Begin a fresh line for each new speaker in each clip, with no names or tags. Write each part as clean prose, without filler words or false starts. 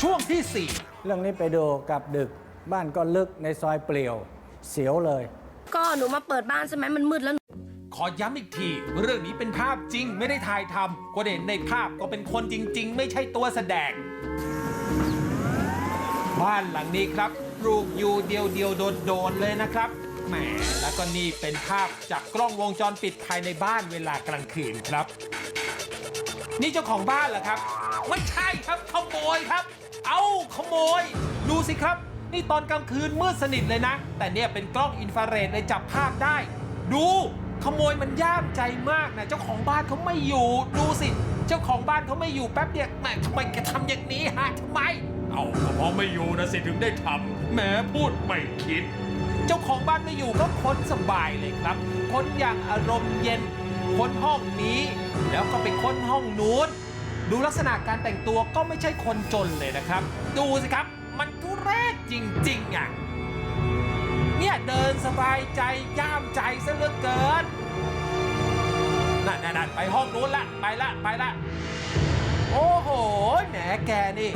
ช่วงที่
เรื่องนี้ไปดูกับดึกบ้านก็ลึกในซอยเปลี่ยวเสียวเลย
ก็หนูมาเปิดบ้านใช่ไหมมันมืดแล้ว
4 ขอย้ำอีกที เรื่องนี้เป็นภาพจริงไม่ได้ถ่ายทำคนเห็นในภาพก็เป็นคนจริง ๆ ไม่ใช่ตัวแสดง บ้านหลังนี้ครับปลูกอยู่เดียวโดดๆเลยนะครับแหมแล้วก็นี่เป็นภาพจากกล้องวงจรปิดภายในบ้านเวลากลางคืนครับ นี่เจ้าของบ้านเหรอครับไม่ใช่ครับขโมยครับ เอาขโมยดูสิครับ นี่ตอนกลางคืนมืดสนิทเลยนะ แต่เนี่ยเป็นกล้องอินฟราเรดเลยจับภาพได้ ดูขโมยมันย่ามใจมากนะเจ้าของบ้านเขาไม่อยู่ดูสิเจ้าของบ้านเขาไม่อยู่แป๊บเดียวแหมทำไมแกทำอย่างนี้ฮะทำไมเอาก็เพราะไม่อยู่นะสิถึงได้ทำแหมพูดไม่คิด เจ้าของบ้านไม่อยู่ก็ค้นสบายเลยครับค้นอย่างอารมณ์เย็นค้นห้องนี้ แล้วก็ไปค้นห้องนู้นดูลักษณะการแต่งตัวก็ไม่ใช่คนจนเลยนะครับ ดูสิครับมันทุเรศจริงๆอ่ะเนี่ยเดินสบายใจย่ามใจซะเหลือเกินนั่นไปห้องนู้นละไปละโอ้โหแหนแกนี่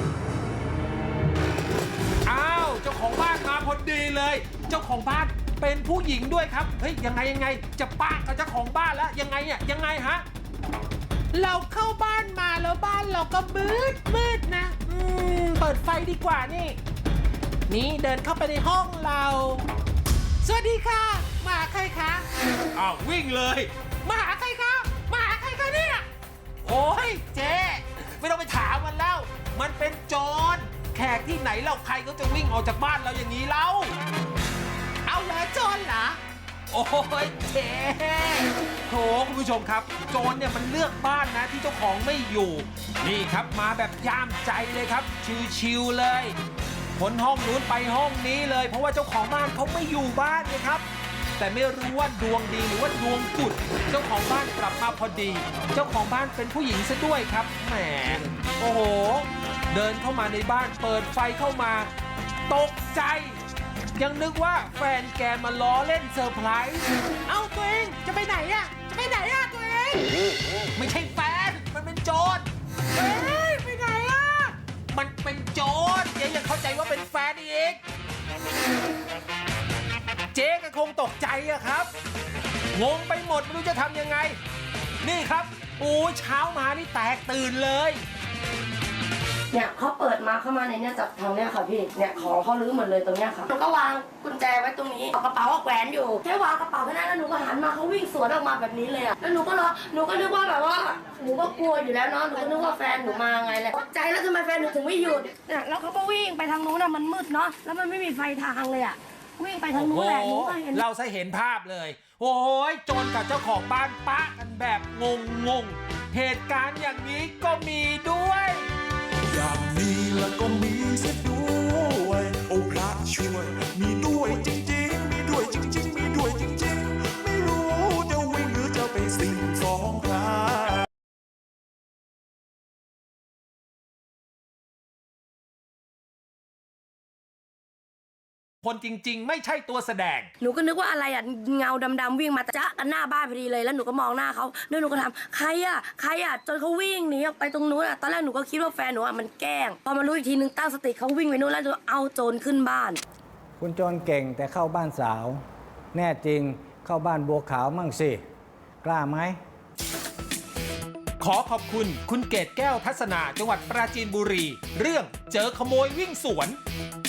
อ้าวเจ้าของบ้านมาพอดีเลยเจ้าของบ้านเป็นผู้หญิงด้วยครับเฮ้ยยังไงจะปะกับเจ้าของบ้านแล้วยังไงฮะเราเข้าบ้านมาแล้วบ้านเราก็มืดนะเปิดไฟดีกว่านี่เดินเข้าไปในห้องเราสวัสดีค่ะมาใครคะอ้าววิ่งเลยมาหาใครคะเนี่ยโอ้ยเจ๊ไม่ต้องไปถามมันแล้วมันเป็นโจรแขกที่ไหนเราใครก็จะวิ่งออกจากบ้านเราอย่างนี้เล่าเอาแล้วโจรเหรอโอ้ยเจ๊โถคุณผู้ชมครับโจรเนี่ยมันเลือกบ้านนะที่เจ้าของไม่อยู่นี่ครับมาแบบย่ามใจเลยครับชิวๆเลยพ้นห้องนู้นไปห้องนี้เลยเพราะว่าเจ้าของบ้านเขาไม่อยู่บ้านเลยครับแต่ไม่รู้ว่าดวงดีหรือว่าดวงกุดเจ้าของบ้านกลับมาพอดีเจ้าของบ้านเป็นผู้หญิงซะด้วยครับแหมโอ้โหเดินเข้ามาในบ้านเปิดไฟเข้ามาตกใจยังนึกว่าแฟนแกมาล้อเล่นเซอร์ไพรส์เอ้าตัวเองจะไปไหนอะตัวเองไม่ใช่แฟนมันเป็นโจรเฮ้ยไปไหนอะมันเป็นโจรเจ๊ยังเข้าใจว่าเป็นแฟนอีกเจ๊ก็คงตกใจอะครับงงไปหมดไม่รู้จะทำยังไงนี่ครับโอ้เช้ามานี่แตกตื่นเลย
เนี่ยเขาเปิดมาเข้ามาในเนี่ยจากทางเนี่ยค่ะพี่เนี่ยของเขาลื้อหมดเลยตรงเนี้ยค่ะหนูก็วางกุญแจไว้ตรงนี้เอากระเป๋าแขวนอยู่แค่วางกระเป๋าแค่นั้นแล้วหนูก็หันมาเขาวิ่งสวนออกมาแบบนี้เลยอะแล้วหนูก็นึกว่าแบบว่าหนูก็กลัวอยู่แล้วเนาะหนูก็นึกว่าแฟนหนูมาไงแหละตกใจแล้วทำไมแฟนหนูถึงไม่หยุดเนี่ยแล้วเขาก็วิ่งไปทางนู้นอะมันมืดเนาะแล้วมันไม่มีไฟทางเลยอะวิ่งไปทางนู้นแหละหนูก็เห็น
เราจะเห็นภาพเลยโอ้ยโจรกับเจ้าของบ้านปะกันแบบงงเหตุการณ์อย่างนี้ก็มีด้วย
อย่างนี้แล้วก็มีเสียด้วยโอ้พระช่วยมีด้วยจริงๆมีด้วยจริงๆไม่รู้จะวิ่งหรือจะไปสิ่งฟ้องใคร
คนจริงๆไม่ใช่ตัวแสดง
หนูก็นึกว่าอะไรอ่ะเงาดำๆวิ่งมาจ๊ะกันหน้าบ้านพอดีเลยแล้วหนูก็มองหน้าเขาแล้วหนูก็ถามใครอ่ะจนเขาวิ่งหนีออกไปตรงนู้นอ่ะตอนแรกหนูก็คิดว่าแฟนหนูอ่ะมันแกล้งพอมารู้อีกทีนึงตั้งสติเขาวิ่งไปนู้นแล้วเอาโจรขึ้นบ้าน
คุณโจรเก่งแต่เข้าบ้านสาวแน่จริงเข้าบ้านบัวขาวมั่งสิกล้าไหม
ขอขอบคุณคุณเกตแก้วทัศนาจังหวัดปราจีนบุรีเรื่องเจอขโมยวิ่งสวน